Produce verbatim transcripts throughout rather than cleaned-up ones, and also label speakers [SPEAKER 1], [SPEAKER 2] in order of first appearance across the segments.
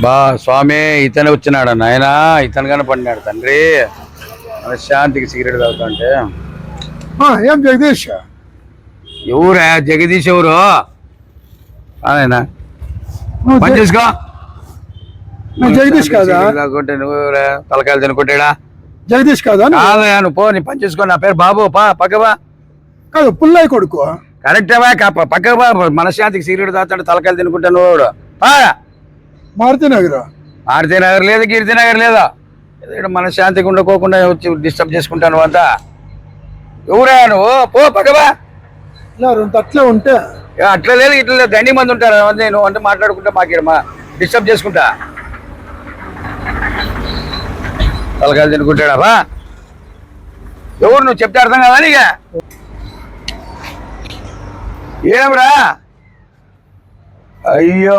[SPEAKER 1] బా స్వామి ఇతనే వచ్చినాడు నాయన, ఇతను కనపడినాడు తండ్రి. శాంతికి సిగరెట్ తాగుతా అంటే
[SPEAKER 2] ఏం జగదీష్?
[SPEAKER 1] ఎవరా జగదీష్? ఎవరు ఆయన? పని చేసుకో.
[SPEAKER 2] జగదీష్ కాదా?
[SPEAKER 1] తాగుంటే నువ్వు తలకాయలు తినుకుంటాడా?
[SPEAKER 2] జగదీష్ కాదా?
[SPEAKER 1] కాదయా, నువ్వు పో, నీ పని చేసుకో. నా పేరు బాబు, పా పక్కవా.
[SPEAKER 2] కాదు, పుల్లయ్య కొడుకు.
[SPEAKER 1] కరెక్టేవా? పక్కకు బా. మనశ్శాంతికి సిగరెట్ తాగుతాడు, తలకాయలు తినుకుంటా నువ్వు. పా.
[SPEAKER 2] మారుతి నగర్.
[SPEAKER 1] మారుతి నగర్ లేదు, కీర్తి నగర్ లేదా. మనశ్శాంతికి ఉండకోకుండా వచ్చి డిస్టర్బ్ చేసుకుంటాను అంతా. ఎవరా నువ్వు? పో పక్కవా.
[SPEAKER 2] అట్లా ఉంటే
[SPEAKER 1] అట్లా లేదు, ఇట్లా లేదు. దండి మంది ఉంటారు నేను అంటే మాట్లాడుకుంటా మాకేడమా డిస్టర్బ్ చేసుకుంటా. తలకాయలు తినుకుంటాడా బా? ఎవరు నువ్వు చెప్తే అర్థం కదా నీక? ఏమ్రా? అయ్యో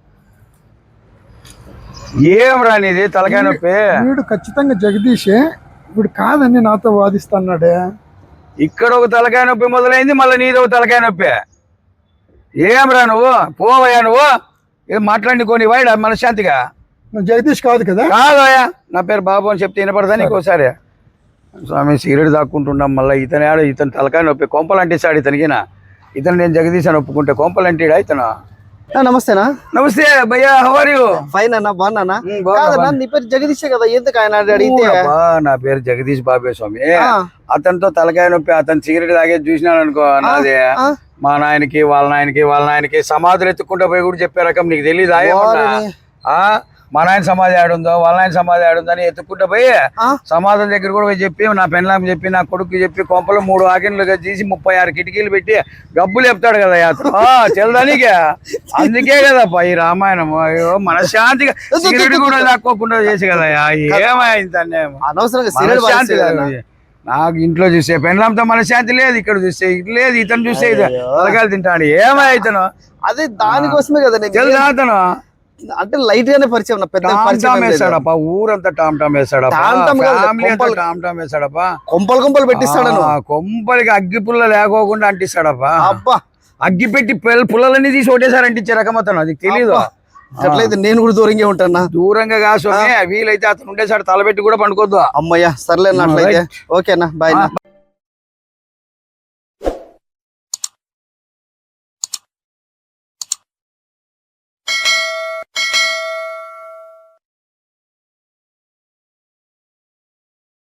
[SPEAKER 1] ఏమ్రా నీది తలకాయ నొప్పి?
[SPEAKER 2] వీడు ఖచ్చితంగా జగదీషే, వీడు కాదని నాతో వాదిస్తున్నాడే.
[SPEAKER 1] ఇక్కడ ఒక తలకాయ నొప్పి మొదలైంది, మళ్ళీ నీది ఒక తలకాయ నొప్పి. ఏమ్రా నువ్వు? పోవయ్యా నువ్వు. ఏం మాట్లాడుకోని వాడు మనశ్శాంతిగా.
[SPEAKER 2] నువ్వు జగదీష్ కాదు కదా?
[SPEAKER 1] కాదయ్యా, నా పేరు బాబు అని చెప్తే వినపడదా నీకు ఒకసారి? స్వామి సిగరెట్ దాక్కుంటున్నాం, మళ్ళీ ఇతను ఆడ ఇతను తలకాయ నొప్పి కొంపలు అంటిస్తాడు ఇతనికినా. ఇతను నేను జగదీష్ అని ఒప్పుకుంటే కొంపలు అంటాడా ఇతను?
[SPEAKER 3] నమస్తేనా.
[SPEAKER 1] నమస్తే భయ్యా, హౌ ఆర్ యు?
[SPEAKER 3] ఫైన్ అన్న, బాగున్నానా? నీ పేరు జగదీషే కదా, ఎందుకు ఆయన అడిగితే?
[SPEAKER 1] నా పేరు జగదీష్ బాబే స్వామి. అతనితో తలకాయ నొప్పి, అతను సిగరెట్ తాగేది చూసినాను అనుకో. నాది మా నాయనకి వాళ్ళ నాయనకి వాళ్ళ నాయనకి సమాధులు ఎత్తుకుంటా పోయి కూడా చెప్పే రకం. నీకు తెలీదా? మా నాయన సమాధి ఆడుందో వాళ్ళ నాయన సమాధి ఆడుందో అని ఎత్తుకుంటా పోయి సమాధుల దగ్గర కూడా పోయి చెప్పి, నా పెన్లాం చెప్పి, నా కొడుకు చెప్పి, కొంపలు మూడు ఆకిన్లుగా తీసి ముప్పై ఆరు కిటికీలు పెట్టి గబ్బులు చెప్తాడు కదా అతను. తెలదానికే అందుకే కదప్పా ఈ రామాయణం. అయ్యో మనశ్శాంతిగా సిగరెట్ కూడా తక్కువకుండా చేసి కదా. ఏమైంది మనశ్శాంతి? నాకు ఇంట్లో చూస్తే పెన్లాంతో మనశ్శాంతి లేదు, ఇక్కడ చూస్తే ఇటు లేదు, ఇతను చూస్తే తలకాయలు తింటాడు. ఏమై ఇతను?
[SPEAKER 3] అదే దానికోసమే కదా
[SPEAKER 1] తెలుసా అతను?
[SPEAKER 3] అంటే లైట్ గానే పరిచయం, పెద్ద
[SPEAKER 1] వేస్తాడప్ప, ఊరంతా టామ్ టామ్ వేస్తాడప్ప, టామ్ టామ్ వేస్తాడప్ప,
[SPEAKER 3] కొంపలు కొంపలు పెట్టిస్తాడు.
[SPEAKER 1] కొంపలకి అగ్గి పుల్ల లేకోకుండా అంటిస్తాడప్ప.
[SPEAKER 3] అబ్బా,
[SPEAKER 1] అగ్గి పెట్టి పుల్లలన్నీ తీసి ఒకటేసారి అంటించే రకం అతను. అది తెలీదు.
[SPEAKER 3] అట్లయితే నేను కూడా దూరంగా ఉంటానా?
[SPEAKER 1] దూరంగా కాసు వీలైతే అతను ఉండేసాడు తలబెట్టి కూడా పండుకోద్దు.
[SPEAKER 3] అమ్మయ్యా, సర్లేనా? అట్లయితే ఓకేనా, బాయ్.